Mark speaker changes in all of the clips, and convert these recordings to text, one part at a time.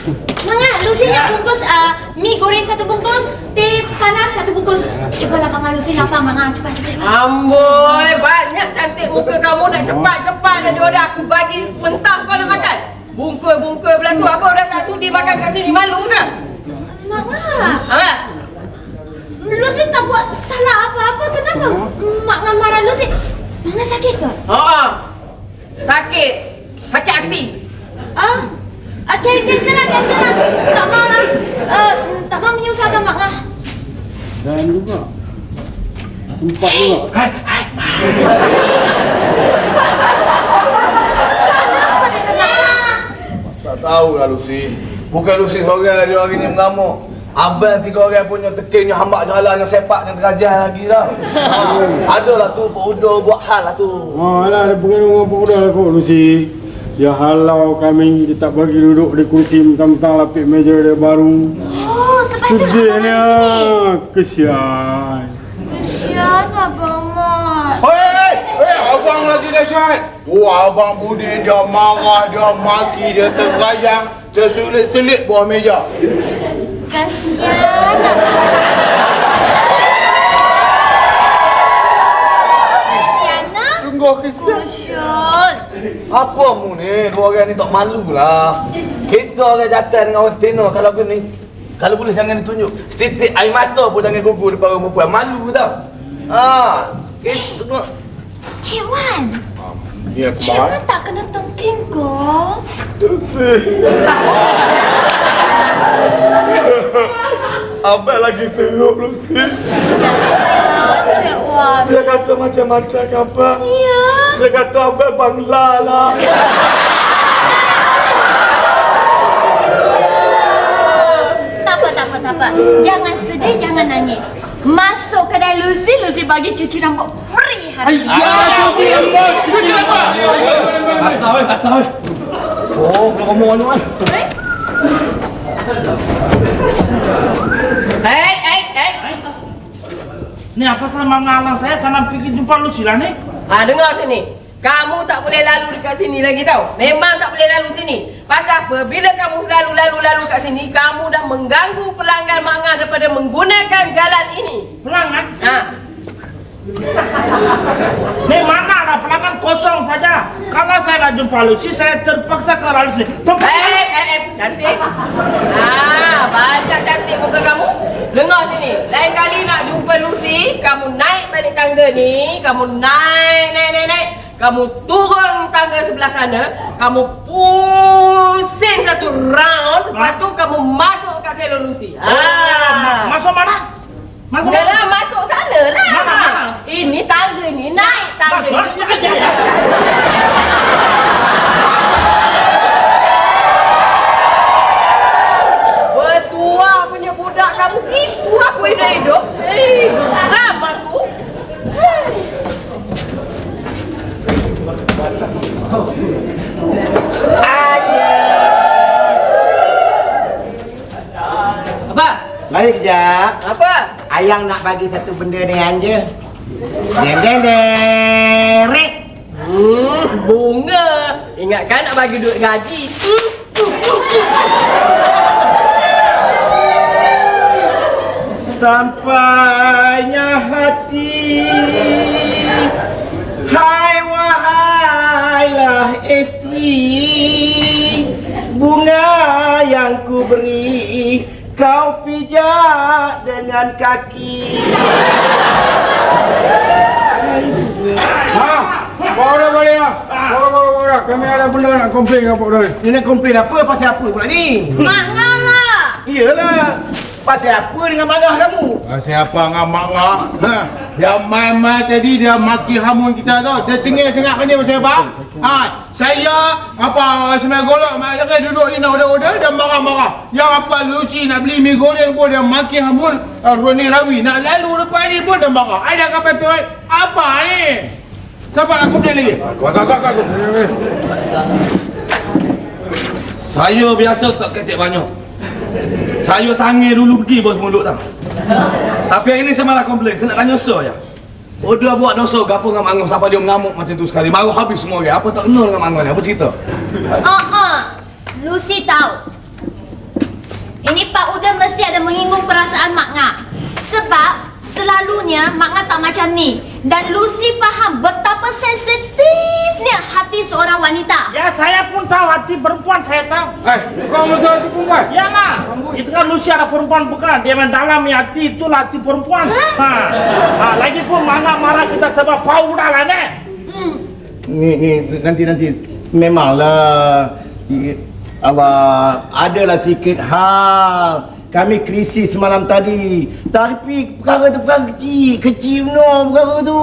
Speaker 1: Manga, Lucy nak bungkus mie goreng 1 bungkus, teh panas 1 bungkus. Cobalah Manga, Lucy lapar Manga. Cepat.
Speaker 2: Amboi, banyak cantik muka kamu nak cepat-cepat dah jodoh aku bagi mentah kau nak makan. Bungkul belah tu apa dah tak sudi makan kat sini, malu ke?
Speaker 1: Manga. Lucy tak buat salah apa-apa, kenapa Manga marah Lucy? Manga sakit ke?
Speaker 2: Sakit hati.
Speaker 1: Cancel lah. Tak mau lah. Tak mau menyusahkan Manga.
Speaker 3: Dan juga sempat juga.
Speaker 4: Tak tahulah Lucy. Bukan Lucy seorang dia hari ni mengamuk. Abang 3 orang punya tekinnya hambak jalan yang sepak yang terajah lagi tau. Adalah tu Pak Udo buat hal lah tu.
Speaker 3: Alah, dia pengen dengan Pak Udo lah kot, Lucy. Dia halau kami, dia tak bagi duduk di kursi mentang-mentang lapik meja dia baru.
Speaker 1: Oh, sebab tu nak abang di sini.
Speaker 3: Kesian.
Speaker 1: Kesian Abang Mat.
Speaker 5: Hei, abang lagi dahsyat. Abang Budin dia marah, dia maki, dia terkayang, dia selit-selit bawah meja.
Speaker 1: Kasihan Abang. Kasihan nak?
Speaker 5: Sungguh kesian.
Speaker 1: Kusyun.
Speaker 4: Apa mu ni? 2 orang ni tak malu lah. Kita orang jatuh dengan orang tino kalau ni. Kalau boleh jangan ditunjuk. Setitik air mata pun jangan gugur depan orang perempuan. Malu tau. Kita tengok.
Speaker 1: Cik Wan.
Speaker 5: Ya,
Speaker 1: Cik Wan tak kena tengking ke?
Speaker 4: Abang lagi teruk Lucy.
Speaker 1: Kasihan Cik Wan.
Speaker 4: Dia kata macam-macam ke apa?
Speaker 1: Ya.
Speaker 4: Dia kata abang bangla lah.
Speaker 1: Tak apa. Jangan sedih, jangan nangis. Masuk kedai Lucy bagi cuci rambut free hari ini.
Speaker 5: Cuci rambut.
Speaker 4: Kata. Oh, belum ngomong anu kan.
Speaker 2: Hei.
Speaker 6: Ni apa sama ngalang saya sana pergi jumpa Lucy lah ni?
Speaker 2: Dengar sini. Kamu tak boleh lalu dekat sini lagi tau. Memang tak boleh lalu sini. Pasal apa? Bila kamu selalu lalu kat sini, kamu dah mengganggu pelanggan Manga daripada menggunakan jalan ini.
Speaker 6: Pelanggan?
Speaker 2: Ha.
Speaker 6: Ni mana ada pelanggan kosong saja. Karena saya dah jumpa Lucy, saya terpaksa ke lalu sini.
Speaker 2: Cantik. Banyak cantik muka kamu. Dengar sini. Lain kali nak jumpa Lucy, kamu naik balik tangga ni, kamu naik. Kamu turun tangga sebelah sana, kamu pusing 1 round, lepas tu kamu masuk kat salon Lucy.
Speaker 6: Masuk mana?
Speaker 2: Yalah, masuk sana lah.
Speaker 6: Mana?
Speaker 2: Ini tangga ni, naik tangga ni. Bertuah punya budak kamu tipu aku hidup-hidup. Hei, haram aku. Apa?
Speaker 7: Baik Jap.
Speaker 2: Apa?
Speaker 7: Ayang nak bagi satu benda dengan je. Derek.
Speaker 2: Bunga. Ingatkan nak bagi duit gaji.
Speaker 7: Sampainya hati, hai wahailah isteri, bunga yang ku beri kau pijak dengan kaki.
Speaker 3: Bawa balik lah. Bawa. Kami ada benda nak komplain dengan Pak Udo.
Speaker 7: Ni nak komplain apa? Pasal apa pula ni?
Speaker 1: Manga lah.
Speaker 7: Iyalah. Pasal apa dengan marah kamu?
Speaker 5: Siapa dengan marah? Dia main-main tadi dia maki hamun kita tu. Dia cengih sangat kan dia pasal apa? Saya semai golok mak dia duduk ni nak order dia marah-marah. Yang apa Lucy nak beli mi goreng pun dia maki hamun Roni Rawi. Nak lalu depan ni pun dia marah. Ada apa betul? Apa ni? Siapa nak komplain lagi?
Speaker 4: Aku. Saya biasa tak kecek banyak. Saya tangih dulu pergi bos mulut tau. Tapi hari ni saya malah komplain. Saya nak tanya Sir je. Dia buat dosa gapo dengan Mangoh sampai dia mengamuk macam tu sekali. Baru habis semua orang. Apa tak kena dengan Mangoh ni? Apa cerita?
Speaker 1: Lucy tahu. Ini Pak Uda mesti ada menyinggung perasaan Mak Ngah. Sebab selalunya Mak Ngah tak macam ni. Dan Lucy faham betapa sensitifnya hati seorang wanita.
Speaker 6: Ya, saya pun tahu hati perempuan, saya tahu.
Speaker 3: Kau betul hati perempuan?
Speaker 6: Ya lah, itu kan Lucy ada perempuan bukan? Dia mendalam hati, itulah hati perempuan. Lagi pun mana marah kita sebab Pauda lah ni.
Speaker 7: Ni nanti memanglah awak adalah sikit hal. Kami krisis malam tadi. Tapi perkara tu perkara kecil no perkara tu.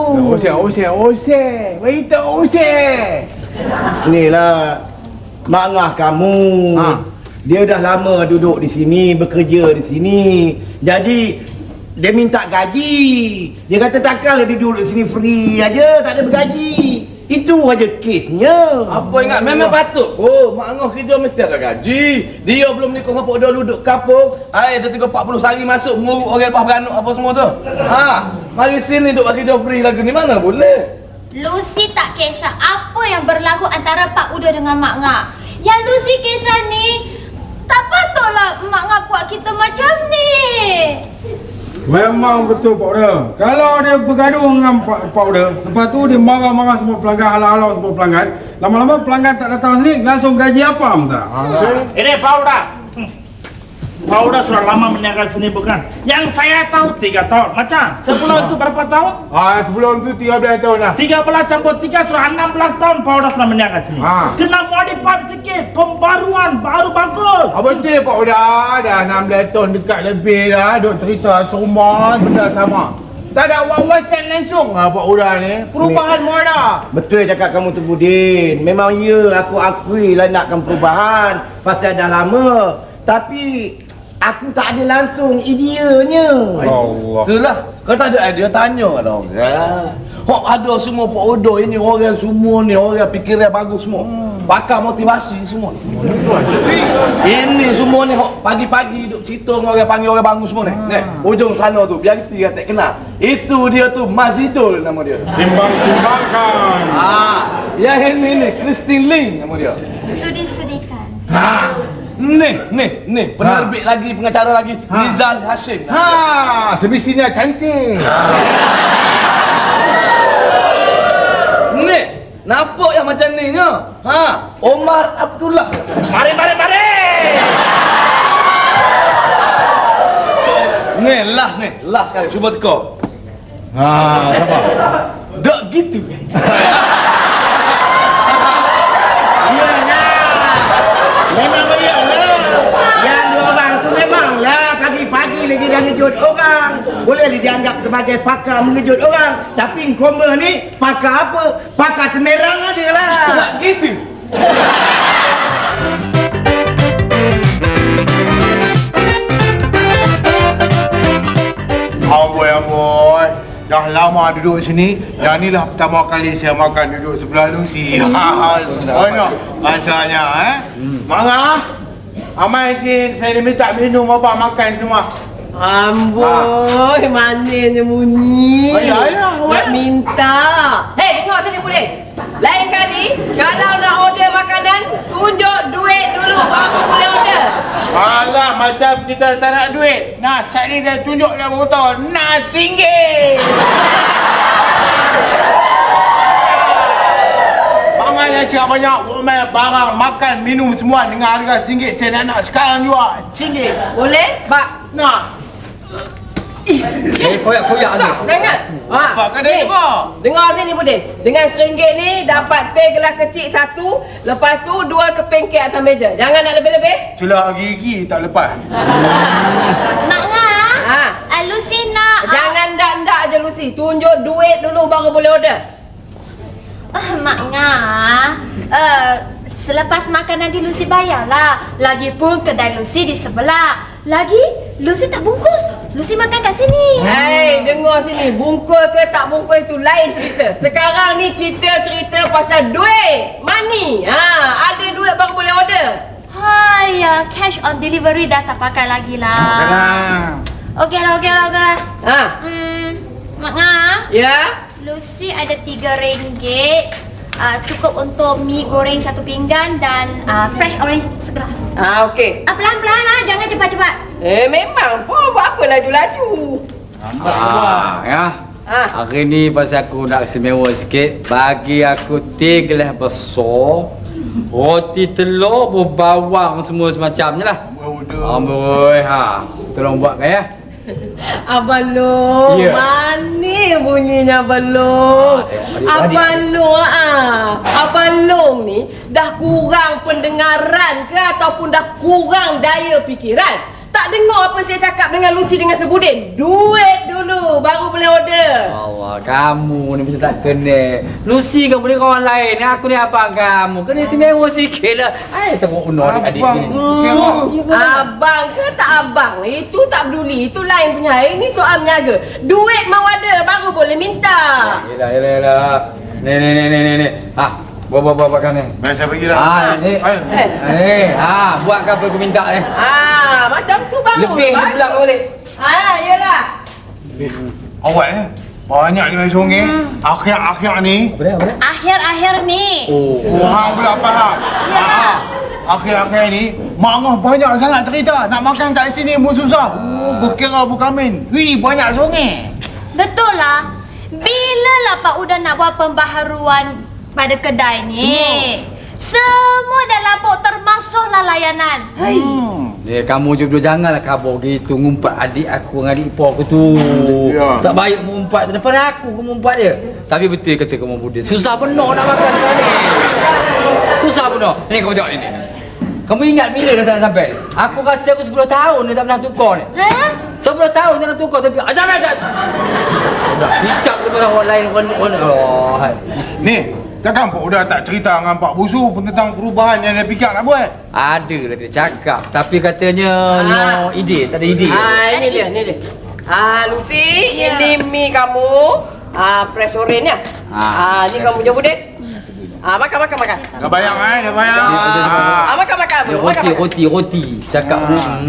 Speaker 5: Oseh. Berita oseh.
Speaker 7: Inilah Mak Ngah kamu. Dia dah lama duduk di sini, bekerja di sini. Jadi dia minta gaji. Dia kata takkanlah dia duduk di sini free aja, tak ada bergaji. Itu aja kesnya.
Speaker 4: Apa ingat memang patut. Oh, Mak Ngah kerja mesti ada gaji. Dia belum nikah dengan Pak Uda duduk kapung. Dia 40 hari masuk menguruk orang lepas beranak apa semua tu. Mari sini duduk kerja free lagi ni mana boleh.
Speaker 1: Lucy tak kisah apa yang berlaku antara Pak Uda dengan Mak Ngah. Yang Lucy kisah ni, tak patutlah Mak Ngah buat kita macam ni.
Speaker 3: Memang betul Pak Uda. Kalau dia bergaduh dengan Pak Uda, lepas tu dia marah-marah semua pelanggan, halau-halau semua pelanggan. Lama-lama pelanggan tak datang sini, langsung gaji apa tak?
Speaker 6: Ini Pauda. Pauda sudah lama meniaga sini bukan? Yang saya tahu 3 tahun. Macam sebelum itu berapa tahun?
Speaker 5: Sebelum tu 13 tahun lah.
Speaker 6: 13 campur 3 sudah 16 tahun Pauda sudah meniaga sini. Kena modify sikit, pembaruan baru bagus.
Speaker 5: Betul Pak Uda. Dah 16 tahun dekat lebih dah. Duk cerita semua benda sama. Tak ada wawasan langsung lah Pak Uda ni. Perubahan semua dah.
Speaker 7: Betul cakap kamu tu Budin. Memang ya, aku akui lah nakkan perubahan pasal dah lama. Tapi aku tak ada langsung ideanya.
Speaker 3: Allah.
Speaker 4: Itulah. Kau tak ada idea, tanya kat orang. Hok ada semua Pak Uda ini orang semua ni orang fikiran bagus semua. Pakar motivasi semua. Ini semua ni hok pagi-pagi duk cerita dengan orang panggil orang bangun semua ni. Ujung sana tu biar kita tak kenal. Itu dia tu Mazidul nama dia.
Speaker 3: Timbang-timbangkan.
Speaker 4: Yang ini Christine Ling nama dia.
Speaker 1: Sudi-sudikan.
Speaker 4: Ni penerbit lagi, pengacara lagi, Nizal Hashim.
Speaker 5: Semestinya cantik.
Speaker 4: Ni, nampak yang macam ni nya? Omar Abdullah.
Speaker 6: Mari.
Speaker 4: Ni last kali cuba teka.
Speaker 5: Sabar.
Speaker 4: Tak gitu kan?
Speaker 7: Memang iyalah. Yang dua orang tu memanglah pagi-pagi lagi dah ngejut orang. Boleh dianggap sebagai pakar mengejut orang. Tapi Nkrumah ni pakar apa? Pakar temerang aja lah.
Speaker 4: Tak gitu.
Speaker 5: Amboi. Dah lama duduk sini. Yang ni lah pertama kali saya makan duduk sebelah Lucy. Mana rasanya Mak Ngah. Amai sin, saya minta minum apa makan semua.
Speaker 2: Amboi, manisnya bunyi.
Speaker 5: Ayah,
Speaker 2: Nak minta. Hei, dengar sini Budin. Lain kali, kalau nak order makanan, tunjuk duit dulu baru boleh order.
Speaker 5: Alah, macam kita tak nak duit. Nah, saat ni dah tunjuk dah berapa nak RM1. Bangannya cakap banyak barang, makan, minum semua dengan harga RM1. Saya nak sekarang juga RM1.
Speaker 2: Boleh? Pak.
Speaker 5: Nak.
Speaker 4: Koyak-koyak ni.
Speaker 2: Jangan.
Speaker 5: Pak kedai apa?
Speaker 2: Dengar sini Budin. Dengan RM1 ni dapat teh gelas kecil 1, lepas tu 2 keping kek atas meja. Jangan nak lebih-lebih.
Speaker 5: Celah gigi tak lepas.
Speaker 1: Mak Ngah, Lucy nak...
Speaker 2: Jangan ndak-ndak je Lucy. Tunjuk duit dulu baru boleh order.
Speaker 1: Mak Ngah, selepas makan nanti Lucy bayarlah. Lagipun kedai Lucy di sebelah. Lagi, Lucy tak bungkus. Lucy makan kat sini.
Speaker 2: Hei, dengar sini. Bungkus ke tak bungkus itu lain cerita. Sekarang ni kita cerita pasal duit. Money. Ada duit baru boleh order.
Speaker 1: Hai, cash on delivery dah tak pakai lagi lah. Okey lah. Mak Ngah,
Speaker 2: Ya?
Speaker 1: Lucy ada RM3. cukup untuk mi goreng 1 pinggan dan fresh orange segelas.
Speaker 2: Okey.
Speaker 1: Pelan-pelan jangan cepat-cepat.
Speaker 2: Memang pun buat apa laju-laju.
Speaker 8: Ya. Hari ni pasal aku nak istimewa sikit, bagi aku 3 gelas besar, roti telur berbawang semua semacamnya lah. Amboi, tolong buatkan ya.
Speaker 2: Abang Long,
Speaker 8: Ya.
Speaker 2: mana bunyinya Abang Long? Abang Long, Abang Long ni dah kurang pendengaran ke ataupun dah kurang daya fikiran? Tak dengar apa saya cakap dengan Lucy dengan Sebudin? Duit dulu, baru boleh order.
Speaker 8: Allah, kamu ni macam tak kena. Lucy kan boleh kawan lain, aku ni abang kamu. Kena istimewa sikit lah. Tengok benar adik-adik ni.
Speaker 2: Abang ke tak abang? Itu tak peduli, itu lain punya. Ini soal menyaga. Duit mau ada, baru boleh minta.
Speaker 8: Yelah. Ni. Buat kan ni.
Speaker 5: Baik, saya pergilah.
Speaker 8: Ni. Buatkan apa aku minta ni.
Speaker 2: Macam tu baru.
Speaker 8: Lebih dia pula kau balik.
Speaker 2: Yelah.
Speaker 5: Awak banyak dengan songeng. Akhir-akhir ni.
Speaker 8: Apa dia?
Speaker 1: Akhir-akhir ni.
Speaker 5: Orang pula faham. Akhir-akhir ni Mak Ngah banyak sangat cerita. Nak makan kat sini pun susah. Berkira bukamin. Banyak songeng.
Speaker 1: Betul lah. Bila lah Pak Uda nak buat pembaharuan pada kedai ni? Semua dah lapuk termasuklah layanan.
Speaker 8: Kamu je janganlah kabur gitu ngumpat adik aku dengan adik ipar aku tu.
Speaker 5: Ya.
Speaker 8: Tak baik mengumpat depan aku mengumpat dia. Tapi betul kata kamu Budin. Susah benar nak makan sekarang ni. Susah benar. Ni kamu tengok ni. Kamu ingat bila dah sampai ni? Aku rasa aku 10 tahun ni tak pernah tukar ni. 10 tahun tak pernah tukar tapi ajak. Dah hicap depan orang lain orang.
Speaker 5: Ni, takkan Pak Uda tak cerita dengan Pak Busu tentang perubahan yang dia fikir nak buat?
Speaker 8: Ada lah dia cakap. Tapi katanya no ide. Tak ada ide.
Speaker 2: Ini dia. Lucy, ini mi kamu. Fresh orange ya. Ni kamu je Budin. Makan.
Speaker 5: Dah bayang dah bayang.
Speaker 2: Makan.
Speaker 8: Roti. Cakap.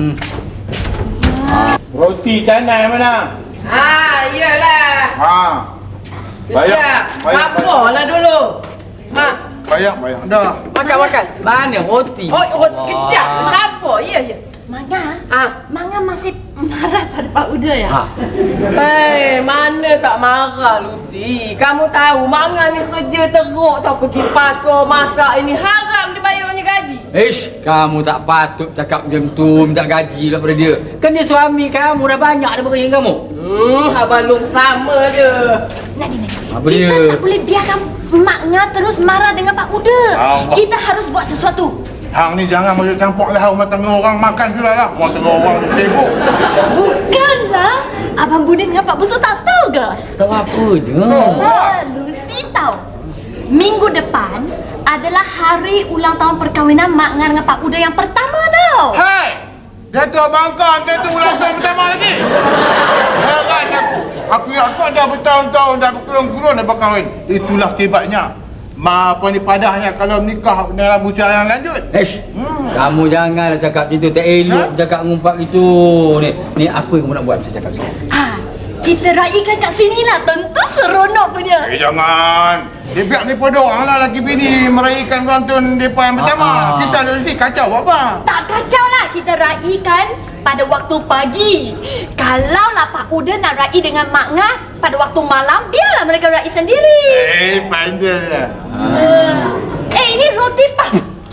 Speaker 5: Roti canai mana?
Speaker 2: Iyalah.
Speaker 5: Bayang.
Speaker 2: Sabarlah dulu.
Speaker 5: Bayang. Dah.
Speaker 2: Makan.
Speaker 8: Mana roti?
Speaker 2: Kejap. Sabar. Ya.
Speaker 1: Manga? Manga masih marah pada Pak Uda ya?
Speaker 2: Mana tak marah Lucy. Kamu tahu Manga ni kerja teruk tau. Pergi pasar, masak ini haram dia bayarnya gaji.
Speaker 8: Kamu tak patut cakap macam tu, minta gaji lah pada dia. Kan dia suami kamu, dah banyak dah bekerja dengan kamu.
Speaker 2: Abang Long sama je.
Speaker 1: Nadi.
Speaker 8: Apa
Speaker 1: Kita
Speaker 8: dia?
Speaker 1: tak boleh biarkan Mak Ngah terus marah dengan Pak Uda. Kita harus buat sesuatu.
Speaker 5: Hang ni jangan masuk campur lah rumah tengah orang makan juga lah. Rumah tengah orang sibuk.
Speaker 1: Bukanlah. Abang Budin dengan Pak Busu tak tahu ke?
Speaker 8: Tahu apa je.
Speaker 1: Lucy tahu. Minggu depan adalah hari ulang tahun perkahwinan Mak Ngah dengan Pak Uda yang pertama tau.
Speaker 5: Hai! Datuk Bangka, tu ulang tahun pertama lagi. Heran aku. Aku dah bertahun-tahun dah berkurun-kurun dah berkahwin. Itulah akibatnya. Padahnya kalau menikah dalam usia yang lanjut.
Speaker 8: Kamu janganlah cakap macam tu, tak elok cakap ngumpat gitu. Ni apa yang kamu nak buat macam cakap macam tu?
Speaker 1: Kita raikan kat sini lah. Tentu seronok punya.
Speaker 5: Jangan. Dia biar daripada orang lah lagi bini meraihkan ulang tahun mereka yang pertama. Kita ada sini kacau apa?
Speaker 1: Tak kacau lah. Kita raikan pada waktu pagi. Kalau lah Pak Uda nak raih dengan Mak Ngah pada waktu malam, biarlah mereka raih sendiri.
Speaker 5: Pandai lah.
Speaker 1: Ini roti Pak.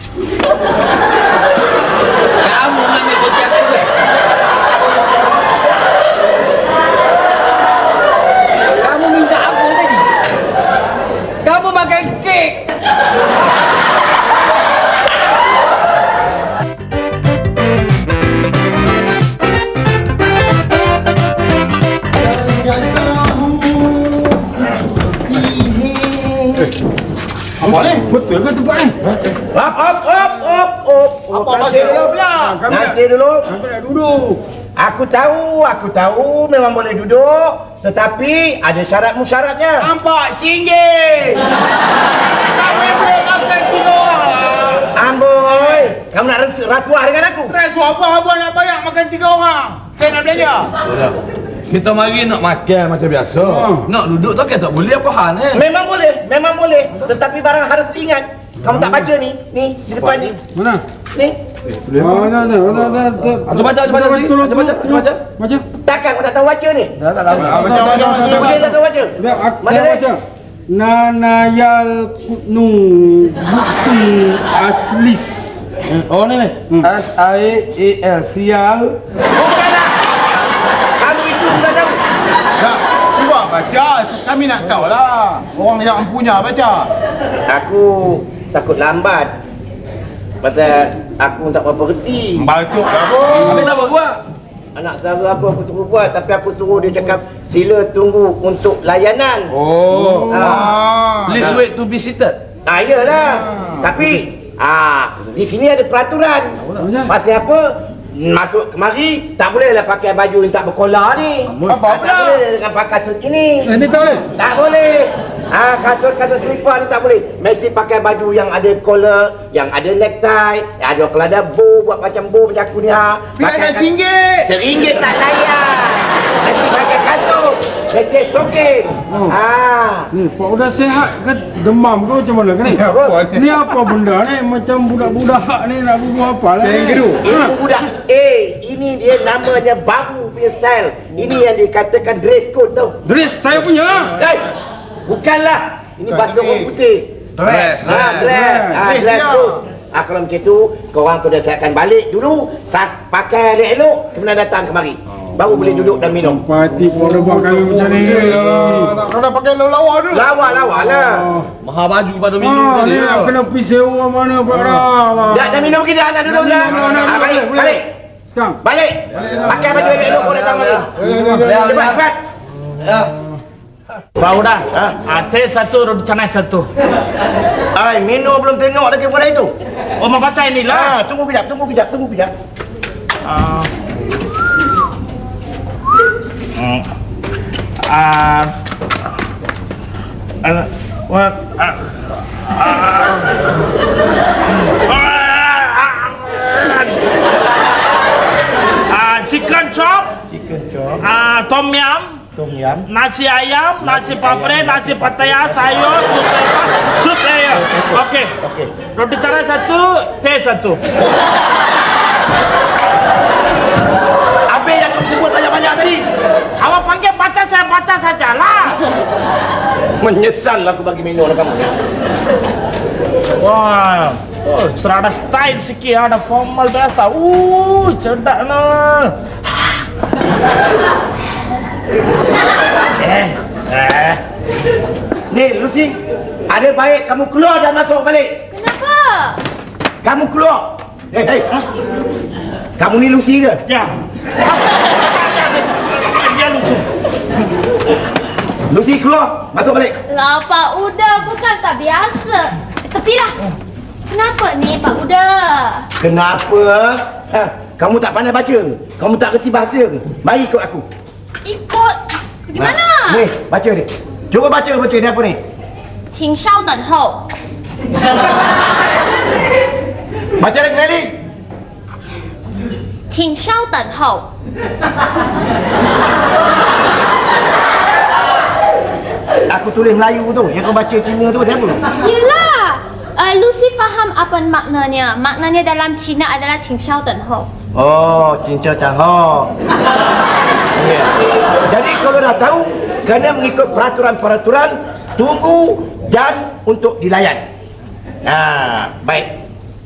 Speaker 8: Kamu ambil roti aku ke? Kamu minta apa tadi? Kamu makan kek.
Speaker 5: Apa ni?
Speaker 3: Betul ke tempat ni?
Speaker 7: Op.
Speaker 5: Apa pasal dia pula?
Speaker 7: Nanti dulu.
Speaker 3: Sampai nak duduk.
Speaker 7: Aku tahu memang boleh duduk, tetapi ada syarat-musyaratnya.
Speaker 5: Nampak singgih. Kami boleh makan 3 orang lah.
Speaker 7: Amboi, kamu nak rasuah dengan aku?
Speaker 5: Rasuah apa abang nak bayar makan 3 orang? Saya nak belanja.
Speaker 4: Kita mari nak makan macam biasa. Nak duduk tak tak boleh apa hal ni?
Speaker 7: Memang boleh. Tetapi barang harus diingat. Kamu tak baca ni di depan ni.
Speaker 3: Mana?
Speaker 7: Ni.
Speaker 3: Dah.
Speaker 4: Baca.
Speaker 3: Baca.
Speaker 7: Takkan kau tak tahu baca ni?
Speaker 4: Tak tahu.
Speaker 7: Boleh tak tahu baca?
Speaker 3: Mana baca? Nanayal Kutnu Bukti Aslis.
Speaker 4: Oh ni. SIAL sial.
Speaker 7: Bukanlah. Kamu itu sudah tahu.
Speaker 5: Tak, cuba baca. Kami nak tahu lah. Orang yang punya baca.
Speaker 7: Aku takut lambat. Pasal aku tak berapa reti.
Speaker 5: Batuk apa?
Speaker 4: Habis apa buat?
Speaker 7: Anak saudara aku suruh buat, tapi aku suruh dia cakap sila tunggu untuk layanan.
Speaker 4: Oh. Please
Speaker 7: Ah.
Speaker 4: wait to be seated.
Speaker 7: Iyalah. Tapi di sini ada peraturan. Pasal apa? Masuk kemari tak bolehlah pakai baju yang tak berkolar ni.
Speaker 5: Apa
Speaker 7: Tak
Speaker 5: pula?
Speaker 7: boleh dengan pakai kasut ini.
Speaker 3: Ini tak boleh?
Speaker 7: Tak boleh. Kasut selipar ni tak boleh. Mesti pakai baju yang ada collar, yang ada necktie, yang ada kalau ada bow, buat macam bow macam aku ni.
Speaker 5: Biar nak RM1.
Speaker 7: RM1 tak layan. Mesti pakai kasut. Mesti stoking.
Speaker 3: Ni Pak Uda sehat ke demam ke macam mana ke ni?
Speaker 5: Apa ni?
Speaker 3: Ni apa benda ni? Macam budak-budak ni nak bunuh apa lah ni?
Speaker 5: Kangaroo.
Speaker 7: Ini budak. Ini dia namanya baru punya style. Ini yang dikatakan dress code tau.
Speaker 3: Dress saya punya.
Speaker 7: Bukanlah. Ini bahasa orang putih.
Speaker 4: Dress.
Speaker 7: Dress code. Kalau macam tu, korang kena siapkan balik dulu. Pakai elok-elok, kemudian datang kemari. Baru boleh duduk dan minum.
Speaker 3: Parti Pak Uda buat kami macam ni.
Speaker 5: Nak kena pakai lawa dulu.
Speaker 7: Lawa lah.
Speaker 4: Mahal baju pada minggu
Speaker 3: Ni
Speaker 4: ni.
Speaker 3: nak kena pergi sewa mana Pak Uda.
Speaker 7: Dah minum kita, nak duduk dah. Balik.
Speaker 3: Sekarang.
Speaker 7: Balik. Pakai baju elok-elok kau datang kemari. Cepat.
Speaker 6: Pak Uda, teh satu, roti canai satu.
Speaker 7: Minum belum tengok lagi pun itu.
Speaker 6: Oh, mau baca inilah.
Speaker 7: Tunggu kejap.
Speaker 6: Chicken chop, tom yum, nasi ayam, nasi papre, nasi pattaya, sayur, sup layer. Okey. Roti canai satu, teh satu.
Speaker 7: Habis yang kamu sebut banyak-banyak tadi.
Speaker 6: Awak panggil baca, saya baca sajalah.
Speaker 7: Menyesal aku bagi minum kamu.
Speaker 6: Wah, serada style sikit, ada formal biasa. Sedap nah.
Speaker 7: Ni Lucy, ada baik kamu keluar dan masuk balik.
Speaker 1: Kenapa?
Speaker 7: Kamu keluar. Hei. Kamu ni Lucy ke?
Speaker 6: Ya. Dia lucu.
Speaker 7: Lucy keluar, masuk balik.
Speaker 1: Lah Pak Uda, bukan tak biasa. Tepilah. Kenapa ni Pak Uda?
Speaker 7: Kenapa? Kamu tak pandai baca ke? Kamu tak kerti bahasa ke? Mari ikut aku.
Speaker 1: Ikut. Bagaimana?
Speaker 7: Ni, baca ni. Cuba baca ni apa ni?
Speaker 1: 请稍等候。
Speaker 7: Baca lagi sekali.
Speaker 1: 请稍等候。
Speaker 7: Aku tulis Melayu tu, yang kau baca Cina tu apa?
Speaker 1: Yelah. Lucy faham apa maknanya. Maknanya dalam Cina adalah 请稍等候。
Speaker 7: Oh, cincau cahok. Ya. Jadi kalau dah tahu, kena mengikut peraturan-peraturan, tunggu dan untuk dilayan. Baik.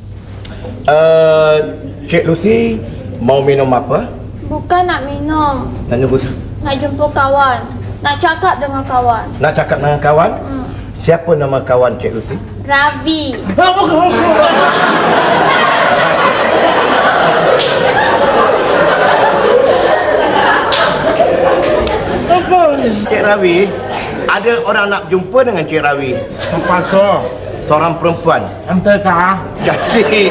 Speaker 7: Cik Lucy, mau minum apa?
Speaker 1: Bukan nak minum.
Speaker 7: Nak nunggu
Speaker 1: Nak jumpa kawan. Nak cakap dengan kawan.
Speaker 7: Nak cakap dengan kawan? Siapa nama kawan Cik Lucy?
Speaker 1: Ravi.
Speaker 7: Cik Rawi, ada orang nak jumpa dengan Cik Rawi.
Speaker 6: Siapa tu?
Speaker 7: Seorang perempuan.
Speaker 6: Ente kah?
Speaker 7: Cantik.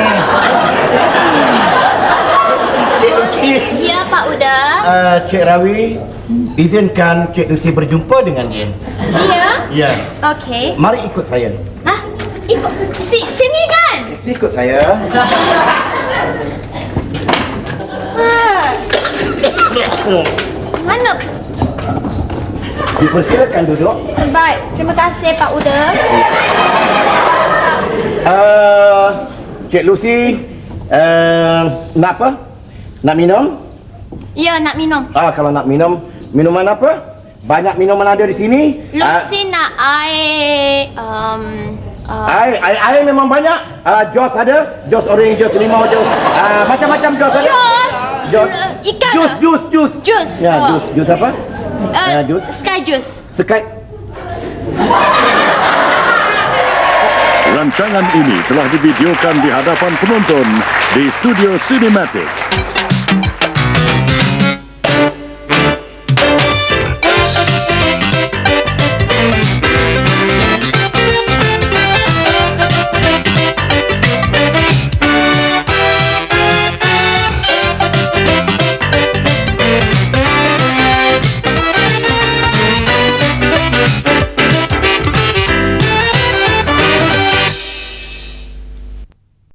Speaker 7: Cik Lucy.
Speaker 1: Ya Pak Uda.
Speaker 7: Cik Rawi, izinkan Cik Lucy berjumpa dengan dia.
Speaker 1: Ya.
Speaker 7: Ya.
Speaker 1: Okey.
Speaker 7: Mari ikut saya.
Speaker 1: Ikut. Sini kan?
Speaker 7: Ikut saya.
Speaker 1: Mana?
Speaker 7: Dipersilakan duduk.
Speaker 1: Baik, terima kasih Pak Uda.
Speaker 7: Cik Lucy, nak apa? Nak minum?
Speaker 1: Ya, nak minum.
Speaker 7: Kalau nak minum, minuman apa? Banyak minuman ada di sini.
Speaker 1: Lucy nak air
Speaker 7: Air memang banyak. Jos ada, jos orange, jos limau, jos macam-macam jos ada.
Speaker 1: Jus. Ikan.
Speaker 7: Jus.
Speaker 1: Jus.
Speaker 7: Ya, jus apa? Jus.
Speaker 1: Sky juice.
Speaker 7: Sekat.
Speaker 9: Rancangan ini telah divideokan di hadapan penonton di Studio Cinematic.